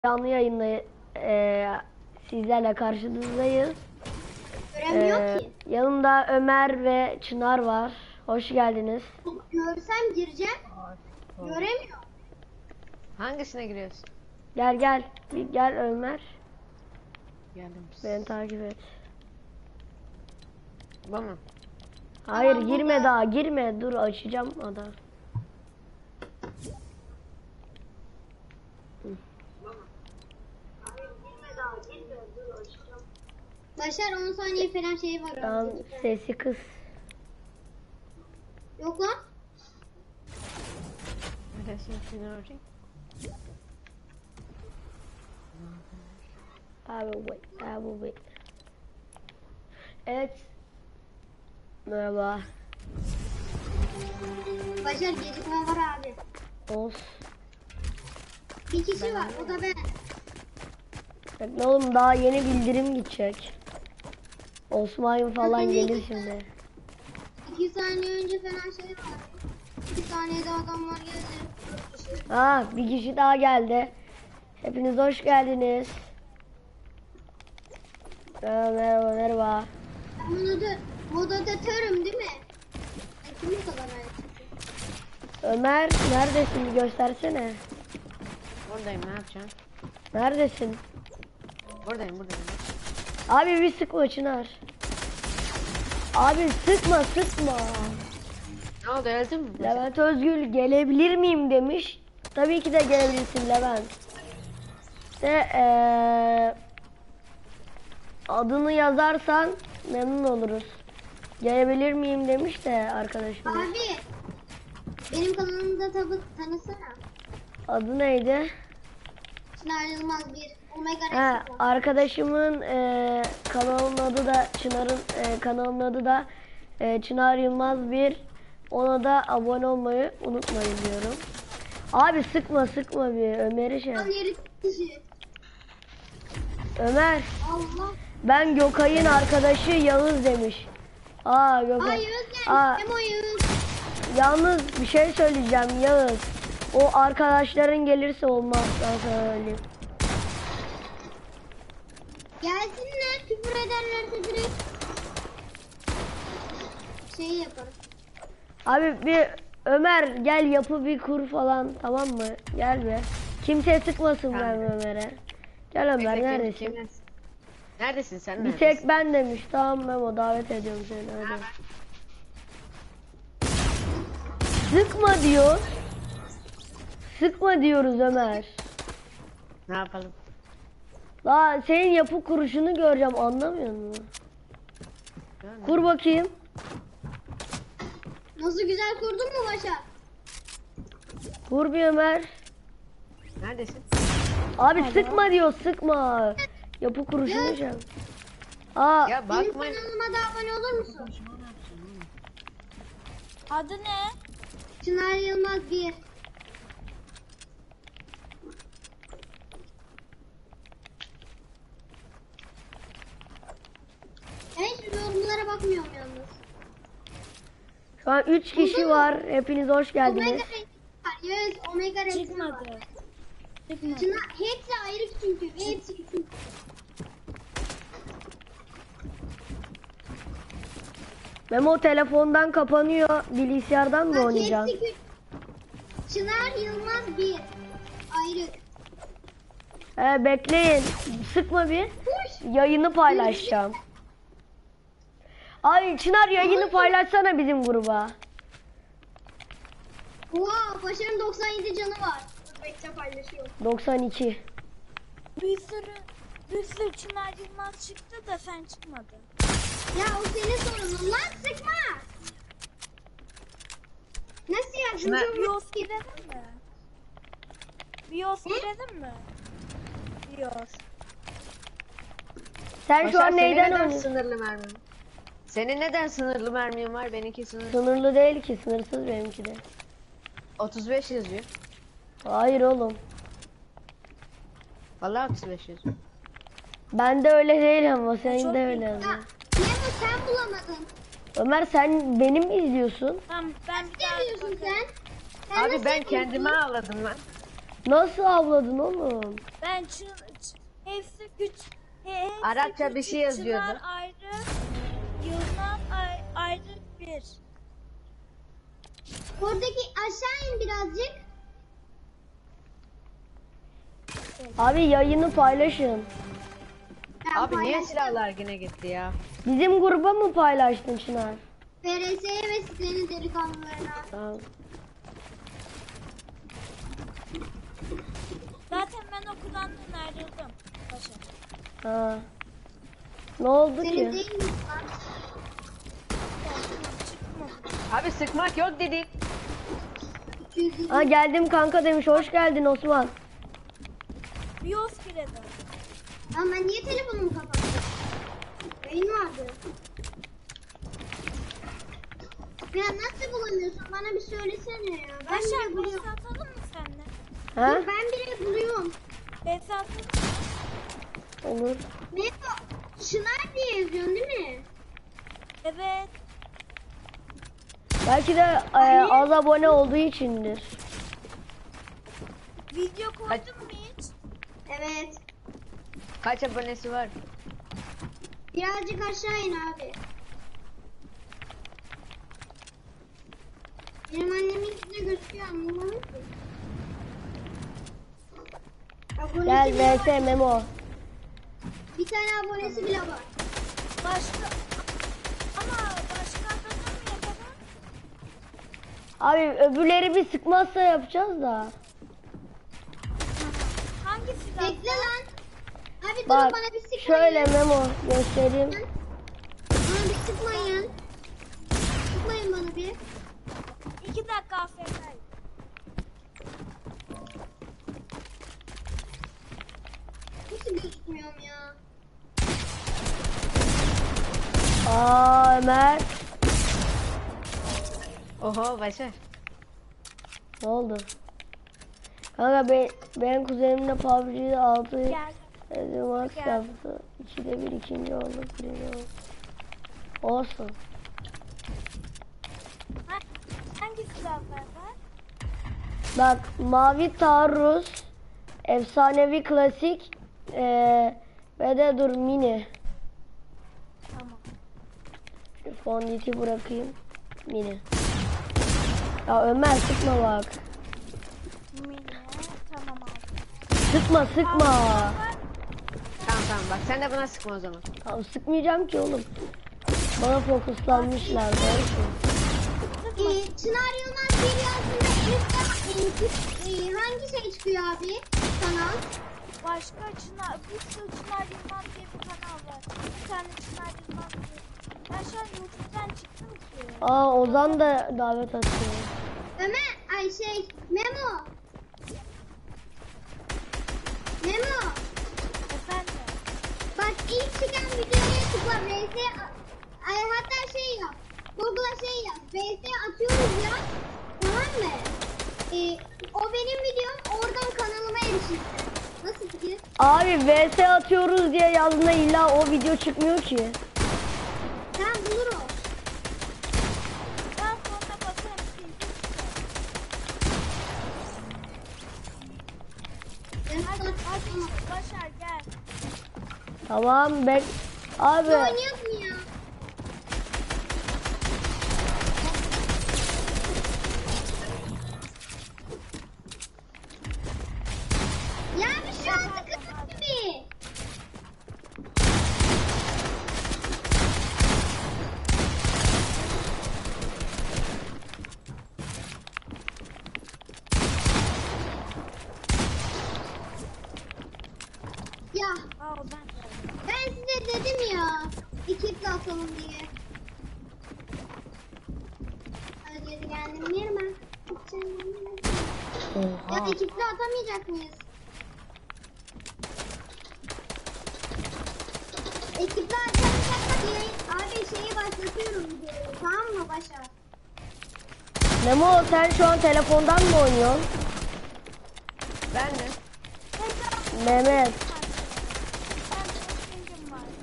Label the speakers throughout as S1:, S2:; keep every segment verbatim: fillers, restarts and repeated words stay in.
S1: Canlı yayında e, sizlerle karşınızdayız.
S2: Göremiyor
S1: E,
S2: ki.
S1: Yanımda Ömer ve Çınar var. Hoş geldiniz.
S2: Görsem gireceğim. Göremiyor.
S3: Hangisine giriyorsun?
S1: Gel gel. Bir gel Ömer.
S3: Geldim.
S1: Beni takip et.
S3: Bu mu?
S1: Hayır
S2: Tamam,
S1: girme
S2: burada.
S1: daha girme. Dur açacağım adam.
S2: Başar on saniye falan şey var.
S1: Tamam
S2: orada.
S1: sesi kız.
S2: Yok lan.
S3: Neresin seni arayayım?
S1: Abi wait. Abi wait. Evet. Merhaba.
S2: Başar gecikme var abi.
S1: Olsun.
S2: Bir kişi var. O da ben.
S1: Bekle oğlum daha yeni bildirim gidecek. Osman falan
S2: Bakın
S1: gelir
S2: ilk-
S1: şimdi.
S2: İki saniye önce falan şey var. İki saniyede adamlar geldi.
S1: Ha bir kişi daha geldi. Hepiniz hoş geldiniz. Merhaba merhaba merhaba.
S2: Moda, moderatörüm değil mi? Ay, kim bu kadar ayıp?
S1: Ömer neredesin bir göstersene.
S3: Buradayım, ne yapacağım?
S1: Neredesin?
S3: Buradayım, buradayım.
S1: Abi bir sıkma Çınar. Abi sıkma sıkma.
S3: Ne oldu, öldün mü?
S1: Levent Özgül gelebilir miyim demiş. Tabii ki de gelebilirsin Levent. İşte eee adını yazarsan memnun oluruz. Gelebilir miyim demiş de arkadaşım.
S2: Abi. Benim kanalımda tabi tanısana.
S1: Adı neydi?
S2: Çınar Yılmaz bir. Omega
S1: Ha,
S2: Rex.
S1: arkadaşımın eee kanalının adı da Çınar'ın eee, kanalının adı da eee, Çınar Yılmaz bir. Ona da abone olmayı unutmayın diyorum. Abi sıkma sıkma bir Ömer'i şey.
S2: Tam yeri kişi.
S1: Ömer
S2: Allah.
S1: ben Gökay'ın arkadaşı Yağız demiş. Aa Gökay.
S2: Ay Yağız
S1: Aa,
S2: gelmiş. Hem o Yağız.
S1: yalnız bir şey söyleyeceğim Yağız. O arkadaşların gelirse olmaz ben sana söyleyeyim.
S2: Gelsinler, küfür ederlerse direkt şey yaparım.
S1: Abi bir Ömer gel yapı bir kur falan tamam mı? Gel be. Kimse sıkmasın ben Ömer'e. Gel Ömer
S3: Bekle,
S1: neredesin?
S3: kim- Neredesin sen?
S1: Bir
S3: neredesin?
S1: tek ben demiş. Tamam Memo davet ediyorum seni hadi. Sıkma diyor. Sıkma diyoruz Ömer.
S3: Ne yapalım?
S1: La senin yapı kuruşunu göreceğim anlamıyor musun?
S3: Görmedim.
S1: Kur bakayım.
S2: Nasıl güzel kurdun mu Başar?
S1: Kur bir Ömer.
S3: Neredesin?
S1: Abi sıkma diyor sıkma. Yapı kuruşunu göreceğim. Aa
S3: Ya
S2: Benim
S3: bakma.
S2: kanalıma da abone olur musun?
S4: Adı ne?
S2: Çınar Yılmaz bir. Ben hiç yorumlara bakmıyorum yalnız.
S1: şu an üç kişi var. Hepiniz hoş geldiniz.
S2: Omega Rex var. Yes, Omega Rex var.
S4: Çıkmadı. Çıkmadı.
S2: Çınar, hepsi ayrı çünkü. Ve hepsi küçük.
S1: Memo telefondan kapanıyor. Bilgisayardan mı
S2: Bak
S1: oynayacaksın?
S2: hepsi küçük. Çınar Yılmaz bir. Ayrı.
S1: He bekleyin. Sıkma bir.
S2: Kuş.
S1: Yayını paylaşacağım. Ay Çınar yayını paylaşsana bizim gruba.
S2: Oha, Başar'ın doksan yedi canı var. Dur bekle paylaşıyorum.
S1: doksan iki.
S4: Bir sürü bir sürü Çınar Yılmaz çıktı da sen çıkmadın.
S2: Ya o senin sorunun lan, sıkma. Nasıl
S3: Çınar-
S2: yardımcı olmak
S4: Bios girelim mi? Bios girelim mi? Bios.
S1: Sen şu
S3: Başar,
S1: an
S3: senin
S1: neyden
S3: neden
S1: oynuyorsun?
S3: sınırlı mermin? Senin neden sınırlı mermin var? Benimki sınırlı.
S1: Sınırlı değil ki sınırsız benimki de.
S3: otuz beş yazıyor.
S1: Hayır oğlum.
S3: Vallahi otuz beş yazıyor.
S1: Ben de öyle değil ama senin
S4: çok
S1: de
S4: iyi.
S1: öyle.
S2: Ya,
S1: ama.
S2: Memo sen bulamadın.
S1: Ömer sen benim mi izliyorsun?
S4: Tamam ben bir daha
S2: Ne diyorsun
S4: bakarım.
S2: sen? Sen
S3: Abi
S2: nasıl
S3: ben
S2: yapıyorsun?
S3: kendime ağladım lan.
S1: Nasıl avladın oğlum?
S4: Ben çın, ç- hepsi güç. He, hepsi
S3: Arapça bir
S4: küçük,
S3: şey yazıyordu.
S4: Çınar ayrı. Yılmaz ay- ayrı bir.
S2: Oradaki aşağı in birazcık.
S1: Abi yayını paylaşın.
S2: Ben
S3: Abi niye
S2: paylaştım.
S3: silahlar yine gitti ya?
S1: Bizim gruba mı paylaştın Çınar?
S2: F R S'ye ve sitenin delikanlılarına.
S1: Tamam.
S4: Zaten ben okuldan dün ayrıldım. Paşa.
S1: Ha. Ne oldu
S2: Senin
S1: ki?
S2: değil mi lan?
S4: Çıkma.
S3: Abi sıkmak yok dedik.
S2: iki yüz yirmi.
S1: Ha geldim kanka demiş. Hoş geldin Osman.
S4: Bios giredi.
S2: Lan ben niye telefonumu kapattım? Yayın vardı. Ya nasıl bulamıyorsun? Bana bir söylesene ya. Ben
S4: Başar
S2: bile
S4: bes
S2: buluyorum.
S4: atalım mı seninle?
S1: Ha?
S2: Dur, ben bile buluyorum.
S4: Bes atalım mı?
S1: Olur.
S2: Ne bu? Çınar diye yazıyorsun değil mi?
S4: Evet.
S1: Belki de e, az abone olduğu içindir.
S4: Video koydun mu hiç?
S2: Evet.
S3: Kaç abonesi var?
S2: Birazcık aşağı in abi. Benim annemin de gözüküyor anlamadım ki. Abonesi
S1: Gel
S2: bile
S1: V S
S2: var.
S1: Memo.
S2: Bir tane abonesi bile var.
S4: Başka ama başka adamlar mı yapalım?
S1: Abi öbürleri bir sıkmazsa yapacağız da.
S4: Hangi silah?
S2: Bekle lan. Abi durun
S1: Bak
S2: bana bir sıkmayın.
S1: şöyle Memo göstereyim.
S2: Bana bir sıkmayın. Sıkmayın bana bir.
S4: İki dakika afiyet.
S2: Nasıl gözükmüyorum ya?
S1: Aa Ömer.
S3: Oho Başar.
S1: Ne oldu? Kanka be, benim kuzenimle P U B G'de altı
S4: Gel.
S1: maç
S4: Gel.
S1: yaptı. İkide bir ikinci oldu. Birinci oldu. Olsun.
S4: Ha, hangi silahlar var?
S1: Bak mavi taarruz, efsanevi klasik eee ve de dur mini.
S4: Tamam.
S1: Şu fonditi bırakayım. Mini. Ya Ömer sıkma bak.
S4: Mini. Tamam abi.
S1: Sıkma sıkma.
S3: Tamam tamam bak sen de buna sıkma o zaman.
S1: Ya sıkmayacağım ki oğlum. Bana fokuslanmışlar. Doğru.
S2: Ee, Çınar Yılmaz bir yazında üstte e, e, hangi şey çıkıyor abi? Kanal.
S4: Başka Çınar, bir sürü Çınar Yılmaz diye bir kanal var. Bir tane Çınar Yılmaz diye. Ben şu an YouTube'dan çıktım ki.
S1: Aa Ozan da davet atıyor.
S2: Ömer, ay şey, Memo. Memo.
S4: Efendim.
S2: Bak ilk çıkan videoya tıkla. V S ay hatta şey yap. Google'a şey yap. V S atıyoruz ya. Tamam mı? Ee, o benim videom. Oradan kanalıma erişirsin. Nasıl fikir?
S1: Abi V S atıyoruz diye yazdığında illa o video çıkmıyor ki.
S2: Sen bulur o.
S4: Ben sonra bakarım.
S2: Ben
S4: Hadi,
S2: sana
S4: hadi Başar gel.
S1: Tamam bek. Abi
S2: oynayak mı ya? Ya bir şu an sıkıntı gibi. Ya
S4: Aa ben de.
S2: ben size dedim ya. Ekiple atalım diye. Hadi geri geldim yerime. Ya
S1: Oha.
S2: ekiple atamayacak mıyız? Ekiple atamayacaksak yayın... Abi şeyi başlatıyorum videoyu. Tamam mı Başar?
S1: Memo sen şu an telefondan mı oynuyorsun?
S3: Ben de.
S1: Mehmet.
S4: Ben çok bilgim var.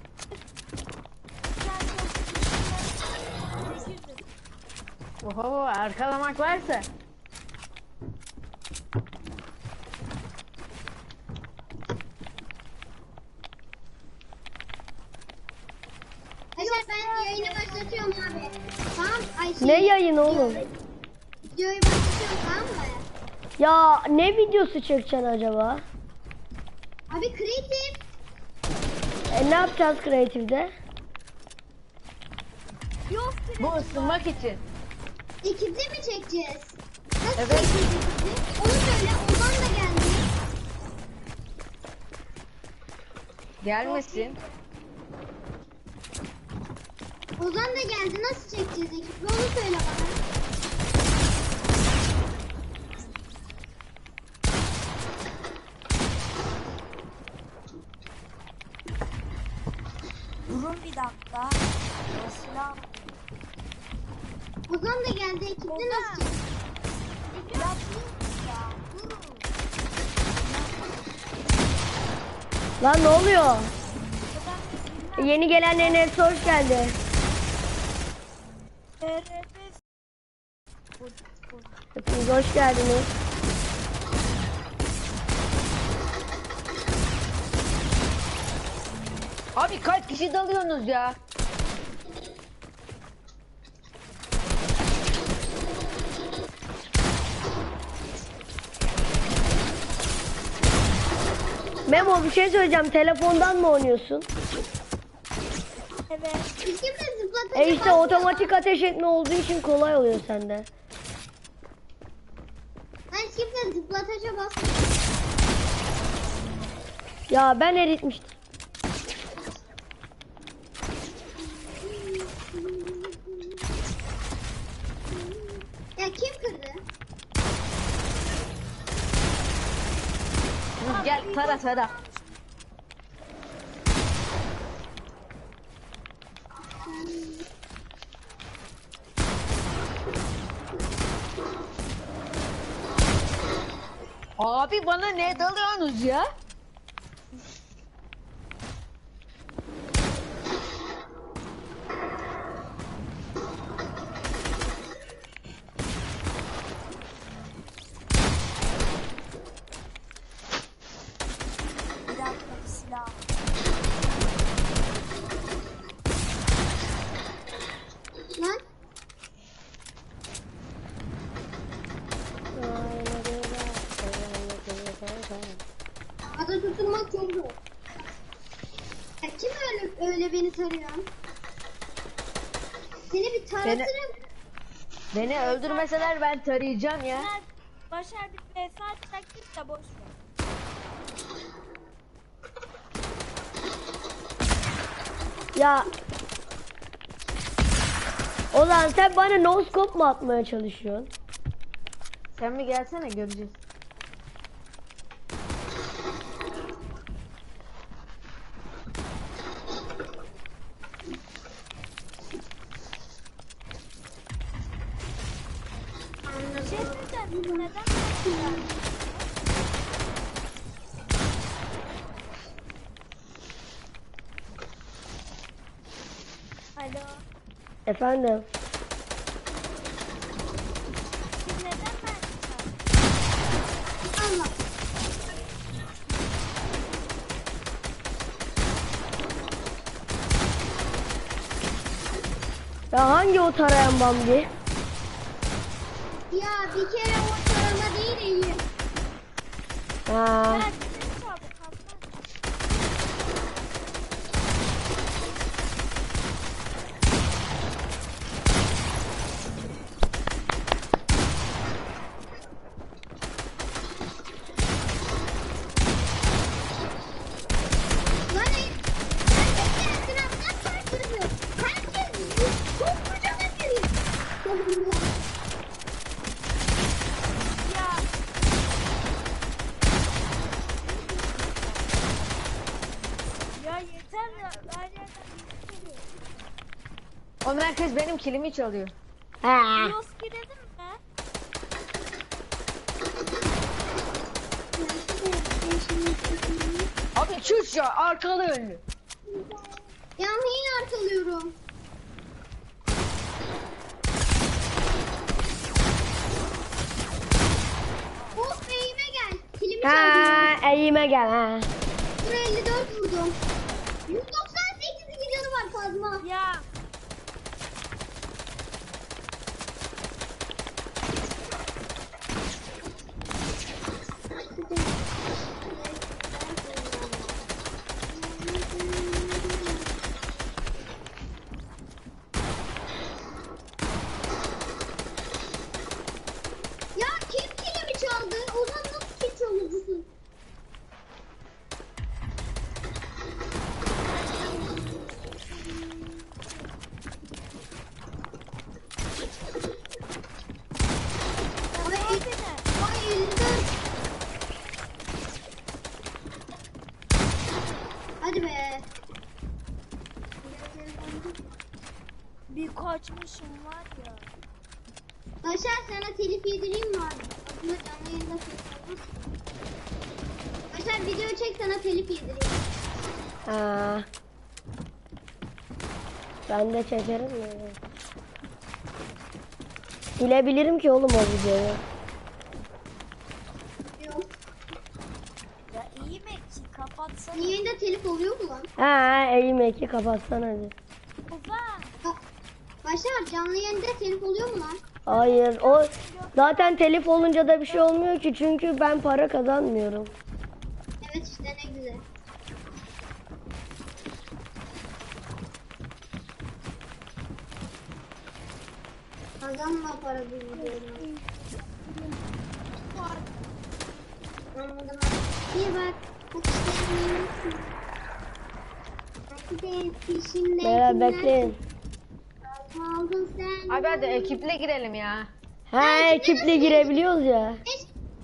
S4: Ben çok bilgim var.
S3: Oho arkalamak varsa.
S2: başlatıyorum abi. Tamam. Ay, şey,
S1: Ne yayın oğlum?
S2: Videoyu başlatıyorum tamam mı?
S1: Ya ne videosu çekeceksin acaba?
S2: Abi kreatif.
S1: E ne yapacağız kreatifte?
S4: Yok
S3: Bu ısınmak için.
S2: Ekipte mi çekeceğiz? Nasıl
S3: Evet.
S2: çekeceğiz ekipte? Onu söyle. Ozan da geldi.
S3: Gelmesin.
S2: Ozan da geldi. Nasıl çekeceğiz ekipte? Onu söyle bana.
S4: Durun bir dakika. Mesela
S2: Ozan da geldi. Ekipte
S4: Ozan.
S2: nasıl çekeceğiz?
S4: ya dur ya. Durun.
S1: Lan ne oluyor?
S4: Buradan bir
S1: Yeni gelenlerin hepsi hoş geldi.
S4: R P
S1: Hepiniz hoş geldiniz.
S3: Abi kaç kişi dalıyorsunuz ya?
S1: Memo bir şey söyleyeceğim. Telefondan mı oynuyorsun?
S4: Evet.
S2: Hiç kimse zıplatınca
S1: E işte
S2: basmıyor.
S1: otomatik ateş etme olduğu için kolay oluyor sende.
S2: Hani hiç kimse zıplataca basmıyor.
S1: Ya ben eritmiştim.
S2: Ya kim kırdı?
S3: Gel tara tara. Abi bana ne dalıyorsunuz ya?
S4: Bir dakika bir silah.
S2: Lan ada tutulmak çok zor. Ya kim öyle öyle beni tarıyor? Seni bir taratırım.
S3: Beni öldürmeseler ben tarayacağım ya.
S4: Bunlar başardık ve saat taktik de boş ver.
S1: Ya Ozan sen bana no scope mu atmaya çalışıyorsun?
S3: Sen bir gelsene göreceğiz.
S4: Bir şey söyleyeceğim. Neden böyle? Alo.
S1: Efendim.
S4: Siz neden ben
S2: Allah.
S1: Ya hangi o tarayan Bambi?
S2: Ya bir kere o tarama değil iyi.
S1: Ha.
S4: Ben sizi çaldım. Kalkmaz.
S2: Lan ey- herkes etrafından kaçtırıyor. Herkes çok kocaman geliyor.
S4: Ya. Ya yeter ya. Her yerden bir geliyor.
S3: Oğlum herkes benim kilimi çalıyor.
S1: Ha.
S4: Yos girelim mi?
S3: Abi çüş ya arkalı önlü.
S2: Ya neyi arkalıyorum? Of eğime gel. Kilimi çaldım.
S1: Ha, eğime gel ha.
S2: Dur elli dört vurdum. yüz doksan sekiz canı var Kazma.
S4: Ya.
S2: Ya kim kilimi çaldı? Ozan nasıl kil çalıyorsun? Ay, ay elli dört. Hadi be.
S4: Bir kaçmışım var ya.
S2: Başar sana telif yedireyim mi abi? Aslında canlı yayında telif olmaz. Başar video çek sana telif yedireyim.
S1: Ha. Ben de çekerim ya. Silebilirim ki oğlum o videoyu.
S2: Yok.
S4: Ya iyi mi ki kapatsana.
S2: Yayında telif oluyor mu lan?
S1: Ha, eğim eki kapatsan hadi.
S4: Ozan.
S2: Ba- Başar canlı yayında telif oluyor mu lan?
S1: Hayır, o zaten telif olunca da bir şey olmuyor ki çünkü ben para kazanmıyorum.
S2: Evet işte ne güzel. Kazanma para bu videodan. Anladım. Bir bak. Bak işte neymişsin. Belki de peşinde.
S1: Beyler bekleyin.
S2: Kaldın sen.
S3: Abi hadi ekiple girelim ya.
S1: Ha, ekiple girebiliyoruz ya.
S2: Eş-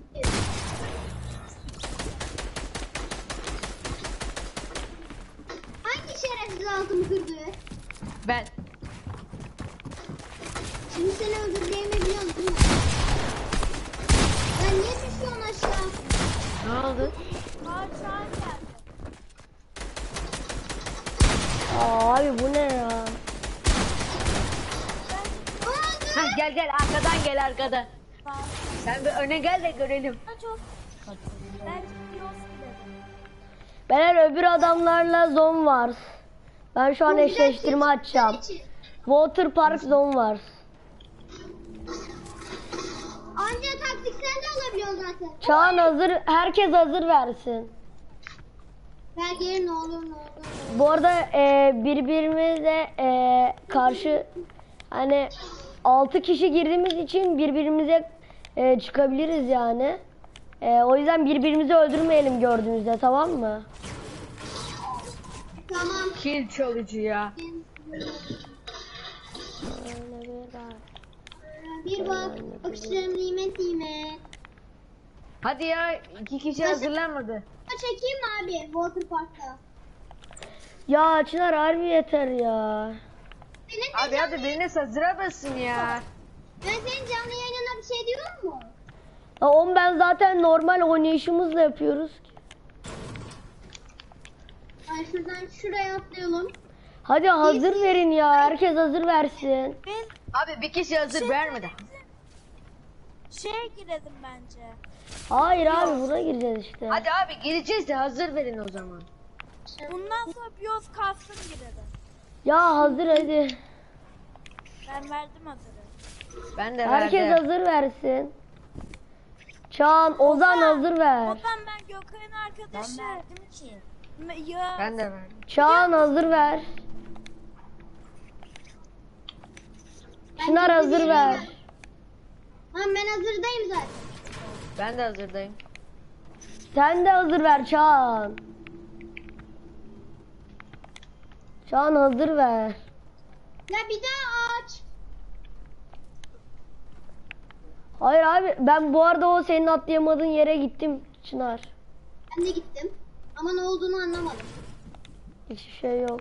S2: Hangi şerefsiz altımı kırdı?
S3: Ben.
S2: Şimdi seni öldüreceğimi biliyorsun değil mi? Ya niye düşüyorsun aşağı?
S3: Ne oldu?
S4: Kaç saat geldi.
S1: Aa, abi bu ne ya?
S2: Oldu.
S3: Hah, gel gel arkadan gel arkadan.
S4: Ben
S3: Sen bir öne gel de görelim.
S4: çok. Belki biraz gidelim.
S1: Beyler öbür adamlarla zone var. Ben şu an eşleştirme açacağım. Water Park Zone var.
S2: Anca taktiksel de olabiliyor zaten.
S1: Çağan hazır, herkes hazır versin.
S2: Ver geri ne olur ne olur.
S1: Bu arada e, birbirimize e, karşı hani altı kişi girdiğimiz için birbirimize e, çıkabiliriz yani. E, o yüzden birbirimizi öldürmeyelim gördüğünüzde, tamam mı?
S2: Tamam.
S3: Kill çalıcı ya.
S2: Bir bak. Öksürüm nimet nimet.
S3: Hadi ya iki kişi hazırlanmadı.
S2: Çekeyim mi abi Water Park'ta?
S1: Ya Çınar harbi yeter ya.
S2: Senin de
S3: Abi
S2: canlı,
S3: hadi biriniz hazıra basın ya.
S2: ben senin canlı yayınına bir şey diyorum mu?
S1: Ya onu ben zaten normal oynayışımızla yapıyoruz ki.
S2: Ay şuradan şuraya atlayalım.
S1: Hadi hazır verin ya, herkes hazır versin.
S4: Biz
S3: Abi bir kişi hazır vermedi.
S4: şeye girelim bence.
S1: Hayır abi, buna gireceğiz işte.
S3: Hadi abi gireceğiz de hazır verin o zaman.
S4: Bundan sonra biyoz kalsın girelim.
S1: Ya hazır hadi.
S4: Ben verdim hazırı.
S3: Ben de
S1: Herkes
S3: verdim.
S1: hazır versin. Çağan, Ozan hazır ver.
S4: Ozan ben Gökay'ın arkadaşı. Ben verdim ki. Ya.
S3: Ben de verdim.
S1: Çağan hazır ver. Çınar hazır ver.
S2: Ha ben hazırdayım zaten.
S3: Ben de hazırdayım.
S1: Sen de hazır ver Çağan. Çağan hazır ver.
S2: Ya bir daha aç.
S1: Hayır abi, ben bu arada o senin atlayamadığın yere gittim Çınar.
S2: Ben de gittim. Ama ne olduğunu anlamadım.
S1: Hiçbir şey yok.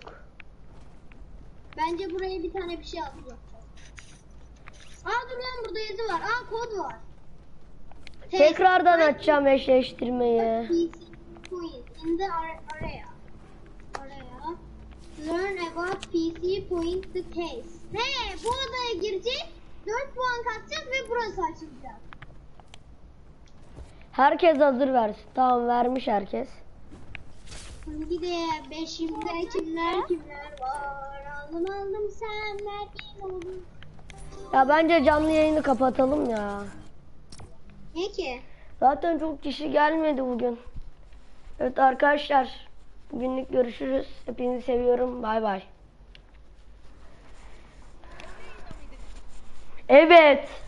S2: Bence buraya bir tane bir şey atacağım. Aa dur lan burada yazı var. Aa kod var.
S1: Tekrardan açacağım eşleştirmeyi.
S2: P C point in the ar- area. Area. Learn about P C point the case. He bu odaya gireceğiz. dört puan katacağız ve burası açılacak.
S1: Herkes hazır versin. Tamam, vermiş herkes.
S2: Şimdi de beşimde kimler kimler var. Aldım aldım sen verdiğin olur.
S1: Ya bence canlı yayını kapatalım ya.
S2: Ne ki?
S1: Zaten çok kişi gelmedi bugün. Evet arkadaşlar. Bugünlük görüşürüz. Hepinizi seviyorum. Bay bay. Evet.